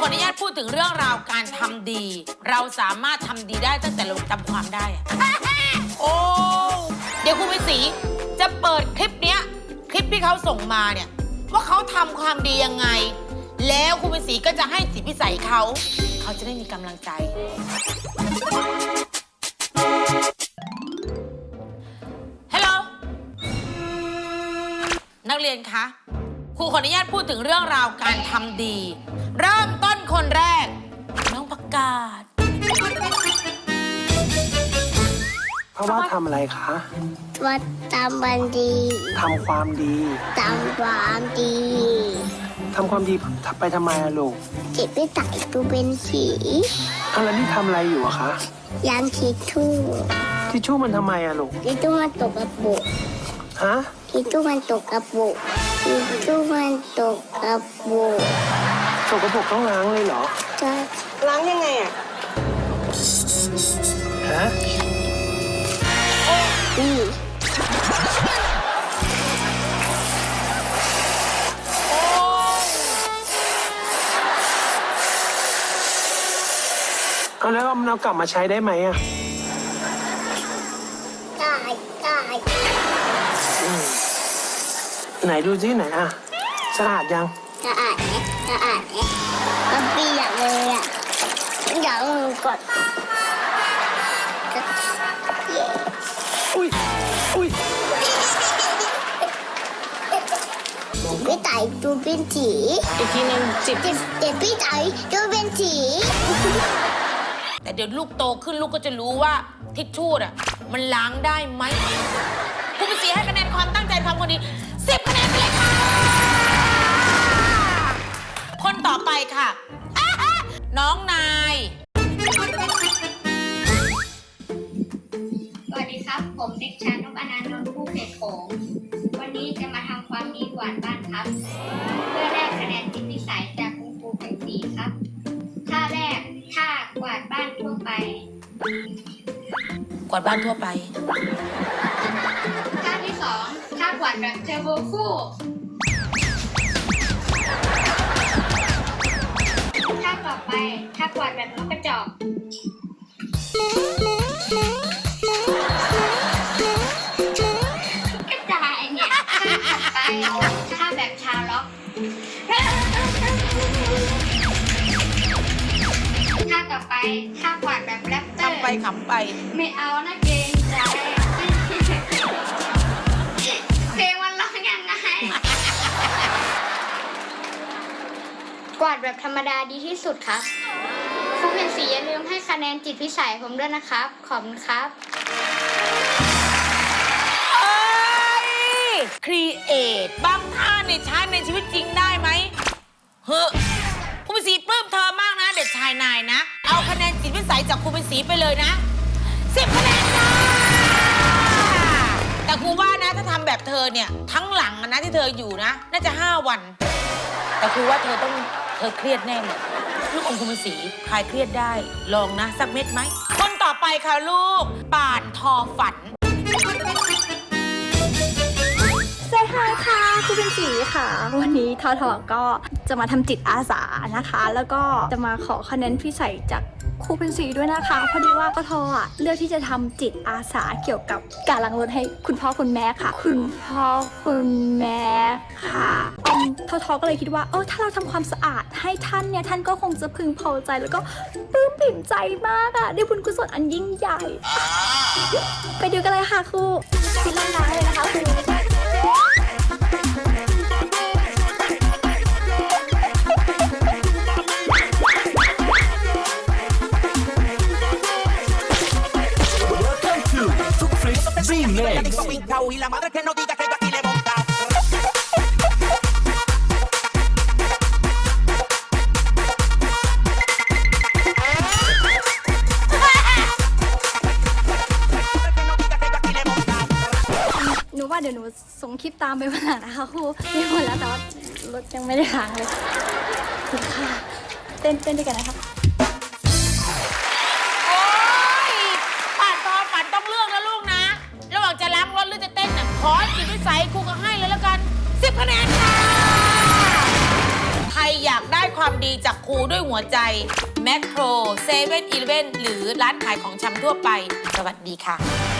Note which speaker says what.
Speaker 1: ขออนุญาตพูดถึงเรื่องราวการทำดี เราสามารถทำดีได้ตั้งแต่เราจำความได้อะ โอ้เดี๋ยวครูเป็นศรีจะเปิดคลิปเนี้ยคลิปที่เขาส่งมาเนี่ยว่าเขาทำความดียังไง แล้วครูเป็นศรีก็จะให้จิตพิสัยเขาจะได้มีกำลังใจฮัลโหลนักเรียนคะครูขออนุญาตพูดถึงเรื่องราวการทำดี เริ่มต้นคนแรกน้องประกาศ
Speaker 2: เพราะว่าทำอะไรคะ
Speaker 3: ว่าทำความดี
Speaker 2: ทำความดี
Speaker 3: ทำความดี
Speaker 2: ทำความดีไปทำไมอะลูก
Speaker 3: จิตไม่ไต่ตูเป็นสี
Speaker 2: อะไรนี่ทำอะไรอยู่อะคะ
Speaker 3: ยางทิชชู่
Speaker 2: ทิชชู่มันทำไมอะลูก
Speaker 3: ทิชชู่มันตกกระปุก
Speaker 2: ฮะ
Speaker 3: ทิชชู่มันตกกระปุกทิชชู่มันตกกระปุก
Speaker 2: ตกกระปุกต้องล้างเลยเหรอ
Speaker 3: ใช่
Speaker 4: ล้างยังไงอะ
Speaker 2: ฮะเอาแล้วมันเอากลับมาใช้ได้ไหมอ่ะ
Speaker 3: ได้
Speaker 2: ไหนดูซิไหนอ่ะสะอาดยัง
Speaker 3: สะอาดไหมสะอาดไหมมันเปียกเลยอ่ะอยากมือกด
Speaker 2: อุ้ย
Speaker 3: พี่ไต่ดูเป็นสี
Speaker 4: อีกทีนึงจิบ
Speaker 3: พี่ไต่ดูเป็นสี
Speaker 1: แต่เดี๋ยวลูกโตขึ้นลูกก็จะรู้ว่าทิชชู่อะมันล้างได้ไหมครูเป็นศรีให้คะแนนความตั้งใจทำคนดี10 คะแนนไปเลยค่ะคนต่อไปค่ะน้องนาย
Speaker 5: สวัสดีครับผมเด็กชายนพอนันต์ นนท์ผู้เขตโขงวันนี้จะมาทำความดีกวาดบ้านครับเพื่อแลกคะแนนจิตพิสัยจากคุณครูเป็นศรีครับท่าแรกท่ากวาดบ้านทั่วไป
Speaker 1: กวาดบ้านทั่วไป
Speaker 5: ท่าที่สองท่ากวาดแบบเทอร์โบคู่ท่าต่อไปท่ากวาดแบบนกกระจอกกระจายเนี่ยท่าแบบชาวล็อกท่าต่อไปท่ากวาดแบบแรปเตอร์
Speaker 1: ทำไปขำไป
Speaker 5: ไม่เอานะเกรงใจเพลงมันร้องยังไงกวาดแบบธรรมดาดีที่สุดครับครูเป็นศรีอย่าลืมให้คะแนนจิตพิสัยผมด้วยนะครับขอบคุณครับ
Speaker 1: ครีเอทบางท่าเนี่ยใช้ในชีวิตจริงได้ไหมเฮ้ครูเป็นศรีปลื้มเธอมากนะเด็กชายนายนะเอาคะแนนจิตวิสัยจากครูเป็นศรีไปเลยนะ10 คะแนนค่ะแต่ครูว่านะถ้าทำแบบเธอเนี่ยทั้งหลังนะที่เธออยู่นะน่าจะ5 วันแต่ครูว่าเธอเครียดแน่เลยลูกอมครูเป็นศรีคลายเครียดได้ลองนะสักเม็ดไหมคนต่อไปค่ะลูกป่านทอฝัน
Speaker 6: สวัสดีค่ะครูเป็นศรีค่ะวันนี้ทอก็จะมาทำจิตอาสานะคะ แล้วก็จะมาขอคะแนนพิเศษจากครูเป็นศรีด้วยนะคะพอดีว่าทอเลือกที่จะทำจิตอาสาเกี่ยวกับการล้างรถให้คุณพ่อคุณแม่ค่ะคุณพ่อคุณแม่ค่ะทอก็เลยคิดว่าถ้าเราทำความสะอาดให้ท่านเนี่ยท่านก็คงจะพึงพอใจแล้วก็ปลื้มปิ่มใจมากอะได้บุญกุศลอันยิ่งใหญ่ไปดูกันเลยค่ะครูคิดล้างเลยนะคะครู
Speaker 7: y la madre que no diga que yo aquí le monta.
Speaker 6: หนูว่าเดี๋ยวหนูส่งคลิปตามไปวันหลังนะคะครูมีหมดแล้วแต่ว่ารถยังไม่ได้ล้างเลยค่ะเต้นด้วยกันนะคะ
Speaker 1: จะล้างรถหรือจะเต้นน่ะขอจิตวิสัยครูก็ให้เลยแล้วกัน10 คะแนนค่ะใครอยอยากได้ความดีจากครูด้วยหัวใจแมคโครเซเว่นอีเลฟเว่นหรือร้านขายของชำทั่วไป สวัสดีค่ะ